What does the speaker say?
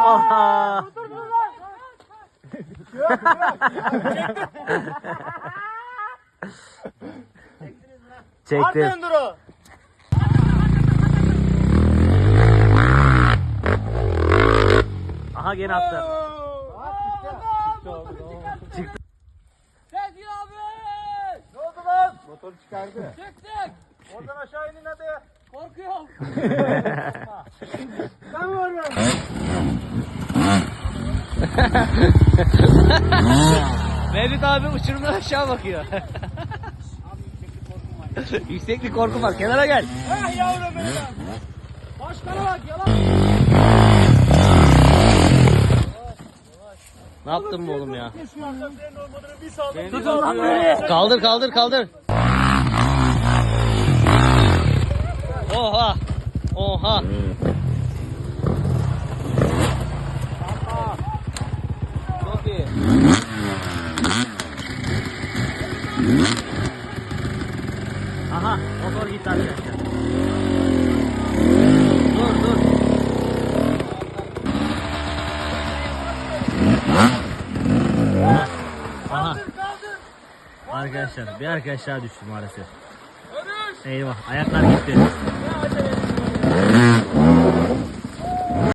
Aha. Çektim. Aha gene attı. Çıktı. Sezgin abi! Ne oldu lan? Motoru çıkardı. Çıktık! Oradan aşağı inin hadi. Korkuyorum. Ben varım. Mevlüt abi uçurumdan aşağı bakıyor. Yükseklik korkum var. Kenara gel. Ah yavrum benim. Başkana bak yalan. Ne yaptın bu oğlum ya? Tutun lan beni. Kaldır kaldır kaldır. Oha. Oha. Çok iyi. Aha motor gitti arkadaşlar. Dur dur. Aha. Arkadaşlar bir arkadaşlar düştü maalesef. Eyvah ayaklar gitti.